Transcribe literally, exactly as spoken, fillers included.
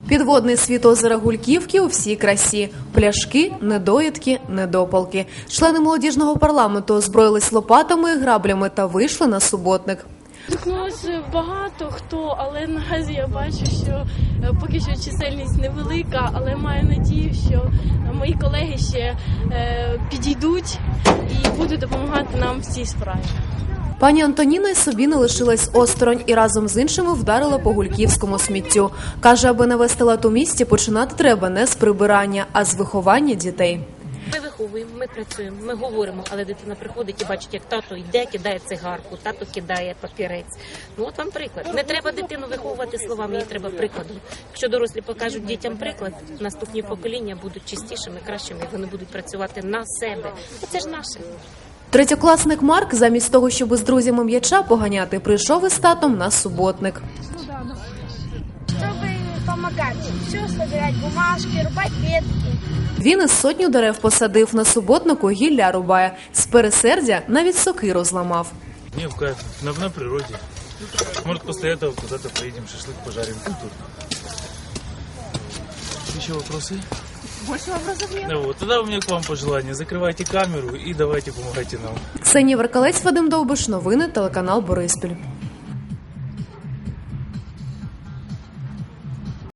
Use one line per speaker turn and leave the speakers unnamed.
Підводний світ озера Гульківки у всій красі. Пляшки, недоїдки, недопалки. Члени молодіжного парламенту озброїлись лопатами, граблями та вийшли на суботник.
Стикнулося багато хто, але наразі я бачу, що поки що чисельність невелика, але маю надію, що мої колеги ще підійдуть і будуть допомагати нам в цій справі.
Пані Антоніна й собі не лишилась осторонь і разом з іншими вдарила по гульківському сміттю. Каже, аби навести лад у місті, починати треба не з прибирання, а з виховання дітей.
Ми виховуємо, ми працюємо, ми говоримо, але дитина приходить і бачить, як тато йде, кидає цигарку, тато кидає папірець. Ну от вам приклад. Не треба дитину виховувати словами, їй треба прикладом. Якщо дорослі покажуть дітям приклад, наступні покоління будуть чистішими, кращими, вони будуть працювати на себе. Це ж наше.
Третьокласник Марк замість того, щоб з друзями м'яча поганяти, прийшов із татом на суботник.
Щоб допомагати, все збирати, бумажки, рубати ветки.
Він із сотню дерев посадив, на суботнику гілля рубає. З пересердя навіть сокиру зламав.
Мне в кайф, на, на природе. Может, после этого куда-то поедем, шашлык пожарим. Еще вопросы?
Больше вопросов нет.
Ну, вот, тогда у меня к вам пожелание. Закрывайте камеру и давайте помогайте нам.
Ксенія Веркалець, Вадим Довбиш, новини, телеканал Бориспіль.